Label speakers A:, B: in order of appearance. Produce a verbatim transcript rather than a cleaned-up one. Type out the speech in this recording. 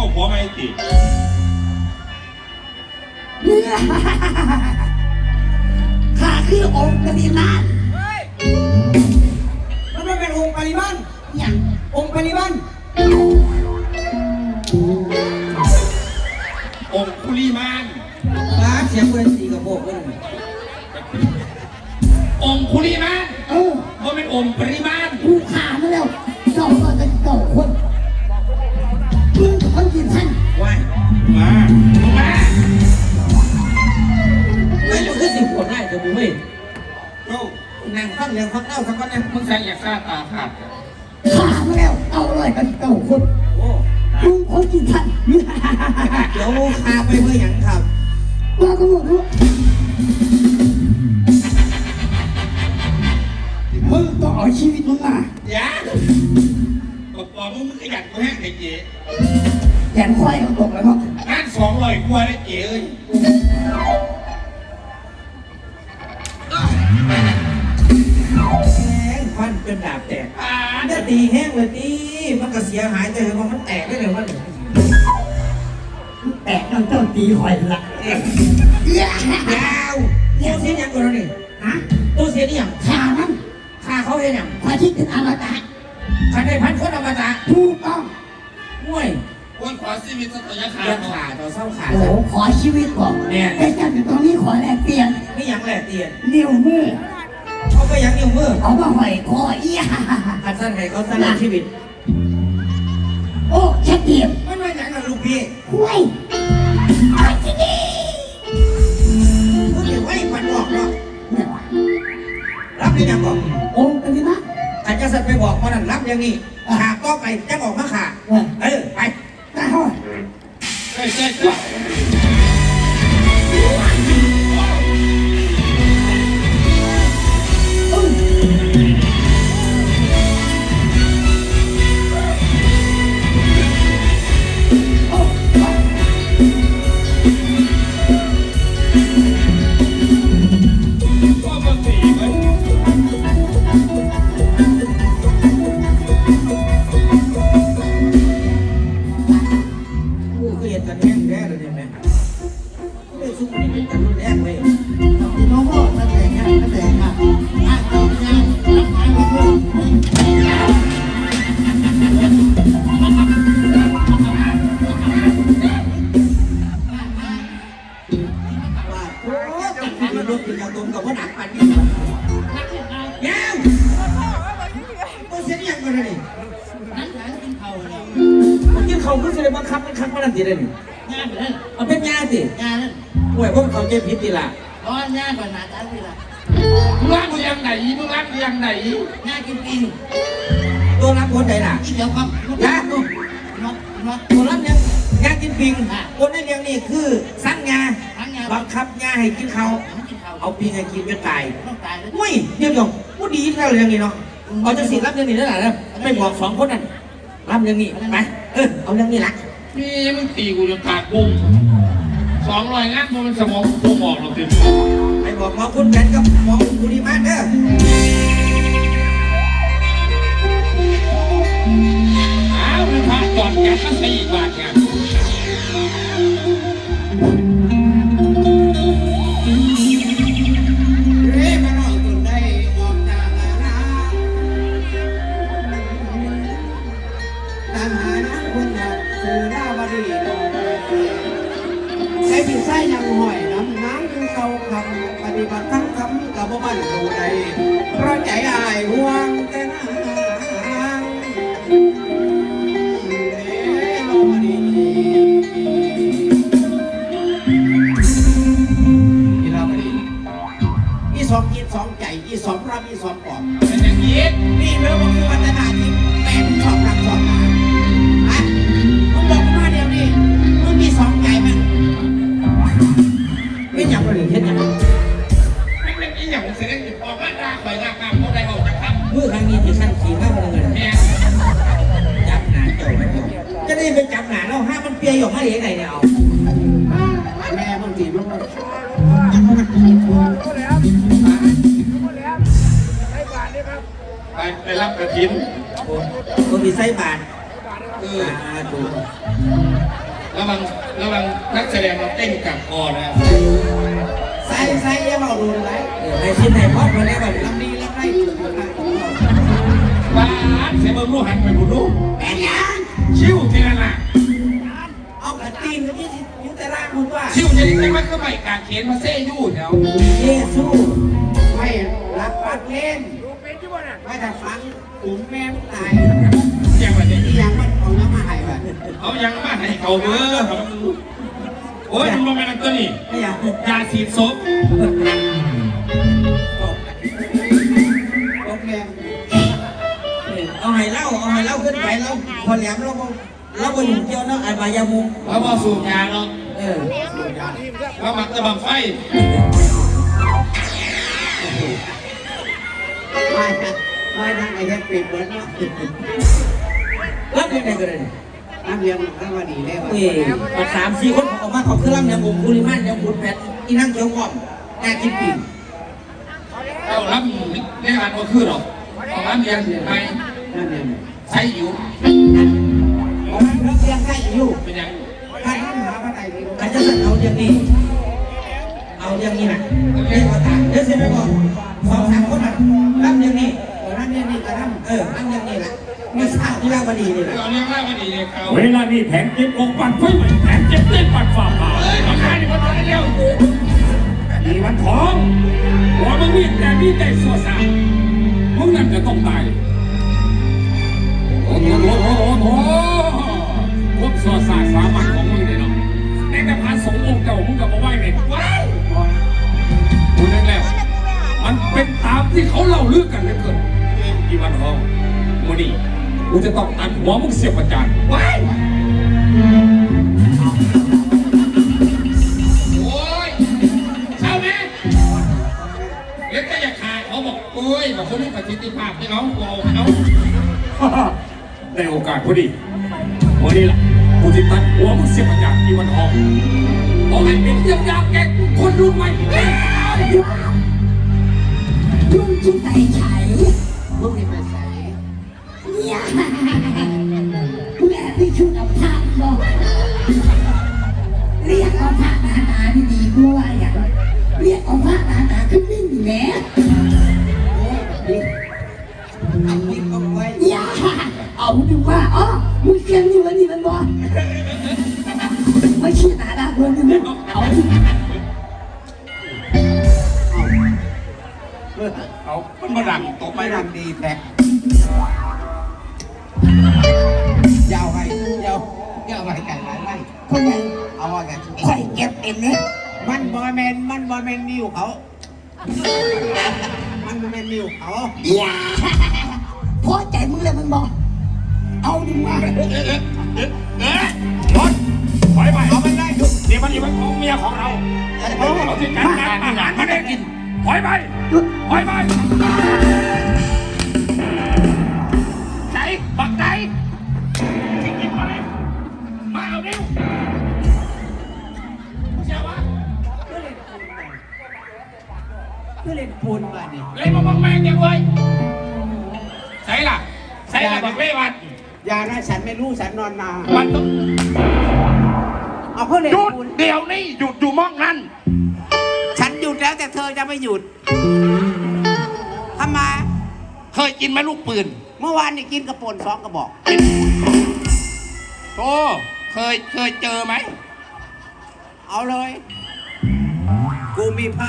A: เอาผัวไม่ติด
B: ข้าคือองค์ปริมาณ
C: มันไม่เป็นองค์ปริมาณ
B: อย่าง
C: องค์ปริมาณ
A: องคุลีมาน
C: ร้านเสียงเพื่อนสีกับโบกเลย
A: องคุลีมาน
B: เออ
A: ว่าเป็นองปริมาณ
B: กูขามาแล้วเจ้าก็จะเก่าคนมึงคนกินท่าน
C: ว้าย
A: มามา
C: ไม่รู้คือสิบคนได้จะบุ้ย
A: โอ้
C: นางฟังเรื่องฟังเล่าสักคนเนี่ย
A: มึงใส่อยากฆ่าตาขาด
B: ขามาแล้วเอาเลยกันเก่าคน
C: โอ้
B: มึงคนกินท่าน
C: เดี๋ยวพาไปเพื่ออย่างครับ
B: ว่าก็บอกว่ามึงต้องเอาชีวิตมึงมา
A: อย่าบอกบอกมึงมึงขยันกูแห้งไอ้เจ๊
B: แขนควายเอาตกแล้วเนาะ
A: งานสองร้อยกว่าได้เจ๊เอ้ย
C: แห้งฟันเป็นดาบแตกจะตีแห้งเลยตีมันก็เสียหายแต่ว่ามันแตกได้เลยว่า
B: แตกน้องเจ้าตีคอยละ
C: ยาวตัวเสียยังก่อนนี่
B: ฮะ
C: ตัวเสียนี่ยัง
B: ขามัน
C: ขาเขาเห็นยัง
B: พาคิดถึงอมตะ
C: ขันได้พันคนอมตะ
B: ถูกต้อง
C: มวย
A: คนขอชีวิตสักระยะขา
C: ดขาต่อเศร้าขา
B: โอ้ขอชีวิตก่อน
C: เนี่ย
B: ไอ้เจ้าอยู่ตรงนี้ขอแลกเปลี่ยน
C: ไม่ยังแลกเปลี่ยน
B: นิ้วมือ
C: เขาไปยังนิ้วมือ
B: เอามาหอยคอเอี้ย
C: ขันสั้นให้เขาสั้นชีวิต
B: โอ้แค่เดียบ
C: ไม่ไม่ยังกับลูกพี่
B: ห้วยที่นี่
C: พูดถึงไว้ปันบอกเนาะรับได้ยังบอก
B: องค์กันดีนะ
C: ขันจะสั่นไปบอกมันนั่นรับอย่างนี้ขาก็ไปจะออกมาขาเออไป
B: ตาห้อย
A: ใช่ใช่ใช่
C: เขาคือเลยบังคับบังคับมานั่นทีเลยนี่
B: งานนั่น
C: เอาเป็นงานสิ
B: งานนั่น
C: ห่วยพวกเขาเจ็บพิษทีละ
B: ร้อนงานก่อนมาจ้าทีละ
A: มึงรักมึงยังไหนมึงรักมึงยังไหน
B: งานกินกิน
C: ตัวรับคนไหนล่ะ
B: เดี๋ยวครับ
C: นะตัวรับเนี่ยงานกินปิงคนในเรื่องนี้คือสั่งงาบังคับงาให้กินเขาเอาปิงให้กินจนตายอุ้ยเดี๋ยวเดี๋ยวพูดดีแค่เรื่องนี้เนาะเอาจะสิรับเรื่องนี้ได้หรือไม่บอกสองคนนั่นรับเรื่องนี้ไปเออเอาเรื่องนี้ละ
A: นี่มึงตีกูจนปากบุ้งสองร้อยงานมึงสมองกูบอกเราเต็ม
C: ไปบอกหมอคุณแผนกับหมอคุณดีมากเด้อ
A: อ้าวมันพาจอดแก๊สก็สี่บาทไง
B: ใช้ผิวไส้ยังหอยน้ำน้ำคือเขาคำปฏิบัติทั้งคำกับบ้านดูใดเพราะใจอายห่วงแต่นางเอ๋โลดีอีเราดีอีสองกินสองใจอีสองรับอีสองปอบ
A: เป็นอย่างนี้
B: นี่เมื่อวันคือวันนาที่แม่ชอบรับชอบมาอ่ะมึงบอกมาเดี๋ยวนี้มึงมีสองใจมั้ย
C: ไม่อยากไปหนึ่งเช่นนั้น
A: ไม่เป็นอีหยังเสด็จออกมาด่าข่อยด่ากรรมเขาได้ออกจากคำ
C: เมื่อครั้งนี้ที่ขั้นขี่มากเลย
A: แม่
C: จับหนาเจ้าจะได้ไปจับหนาแล้วห้ามันเปียหยกมาเลี้ยงไงเนี่ยเอา
B: แม่บางทีมัน
A: ไปไปรับกระถิ่น
C: คนมีไส้บาท
A: เออ
C: สาธุ
A: ระวังระวังนักแสดงเราเต้นกับคอนะ
B: ใส่ใส่อยังเอาดูไร
C: เออให้ชิ้นให้พอดมาแล้วแบบ
B: ลำนี้ลำไรอยู่อยู่ไหน
A: ว้าเสียเบิ้งรู้หันไปบุดู
B: แม่ยัง
A: ชิวทีละหนัก
B: เอากระตีนที่อยู่แต่ล่างคุณว่า
A: ชิวจะได้ไหมก็ไม่กางเขนมาเซ่ยู่แถว
C: เยซู
B: ไม่รักปัดเล่นไม่แต่ฟังอุ้มแม่ตาย
A: ยังไงเนี่ย
B: ที่ยังมันเอาน้ำมาให้แบบ
A: เขายังมาให้เขาเบ้อโอ้ยมันมาเป็นตัวนี้
C: ไม่อยาก
A: ยาสีศพ
B: โอเค
C: เอาให้เล่าเอาให้เล่าขึ้นไปเราพอแหลมเราเราไปอยู่เกี่ยวเนาะไอ้บายามุง
A: แล้วพอสูบยาเนาะ
C: เออ
A: แล้วมักจะบังไฟ
B: ไม่นะไม่นะไอ้แค่ปิดเหมือนเนาะ
C: รับยังไงกันเลย
B: น้ำเลี้ยงน้ำมาดีได้ป่ะ
C: เอ้ยมาสามสี่คนออกมาเขาคือร่างยามุงคุริมันยามุงแผ่นอีนั่งเขียวกล่อมแกกินปีก
A: เรารับเรียกการก็คือหรอกของรับเรียนไป
B: นั่นเอง
A: ใช้อยู่
B: ผมน้ำเลี้ยงให้อยู่
A: เป็นยัง
B: ถ้าท่านหาพระไตรปิฎก
C: อาจจะสั่งเอาอย่างนี้เอาอย่างนี้นะเรียกว่าตามเดี๋ยวเสร็จแล้วก็สองสามคนน่ะรับอย่างนี้
B: นั่นเนี่ยนี่กระทำ
C: เออรับอย่างนี้แหละไม่ทราบที่ราบดีนี่แหละ
A: เราเรียกว่ามันดีเลยเขา
D: เวลานี้แผนเก็บองค์ปันไฟใหม่แผนเก็บเต้นปัดฝ่าผ่า
A: เอ้ยมาขายนี่มาตอนเร็ว
D: อีวันทองหัวมึงมีแต่มีใจสัวสามึงนั่นจะต้องตายโอ้โหโอ้โหโอ้โหพวกสัวสาสามัญของมึงเนี่ยเนาะในแต่พาสงฆ์องค์เก่ามึงกับมาไหว้เนี่ยว้ายกูนึกแล้วมันเป็นตามที่เขาเล่าเรื่องกันเหลยเกินอีวันทองมูนี่กูจะต้องตัดหัวมึงเสียบประจานว้าย
A: โอ้ยเช้าไหมเล็กก็อยากขายเขาบอกโอ้ยบอกคนนี้ประสิทธิภาพให้เขาเอาเขา
D: ได้โอกาสพอดีวันนี้ล่ะกูจะตัดหัวมึงเสียบประจานอีวันทองบอกให้เป็นเยี่ยมยามแกคนรุ่นใหม่
E: ลุงจิตใจไฉ
B: ลูกนี่ไปใส่
E: เนี่ยแม่ที่ชุดเอาผ้าบอกเรียกเอาผ้าหนาหนาดีๆกูว่าอย่างเรียกเอาผ้าหนาหนาขึ้นนิ่งอยู่แล้ว
B: เอาลิ้นเอาไว้
E: อย่าเอาดูว่าอ๋อมึงเก่งอยู่แล้วนี่มันบอกไม่ใช่หนาหนาคนนึงเอาดิ
A: เอามันมาดังตกไป
B: ไม่
A: ดั
B: ดั
A: ง
B: งดีแท้ยาวไปยาวยาวไปกันหลายไร่
E: คนยัง
B: เอาว่ากัน
E: คอยเก็บเองเนี่ย
B: มันบอยแมนมันบอยแมนนิวเขา มันบอยแมนนิวเขา
E: อย่าพอใจมึงเลยมันบอกเอาดูว่า
D: เอ๊ะรถถอยไปเอามันได้เดี๋ยวมันอีกเป็นของเมียของเราเราที่การงานอาหารมาได้กินถอยไปถอยไปใจบักใจที่กินมาเลยมาเอาเร็วเชื่อวะ
B: เพื่อเล่นปูนมาดิ
A: เล่นมาบังแมงยังเว้ยใช่ล่ะใช่ล่ะบักเล่วัน
B: ยานะฉันไม่รู้ฉันนอนนา
A: มันต้อง
B: เอาเพื่อเล่น
A: หยุด
B: ปูน
A: เดี๋ยวนี้หยุดอยู่มองนั้น
B: ฉันหยุดแล้วแต่เธอจะไม่หยุดทำไม
A: เคยกินไหมลูกปืน
B: เมื่อวานนี่กินกระป่นสองกระบอก
A: โตเคยเคยเจอไหม
B: เอาเลย กูมีพระ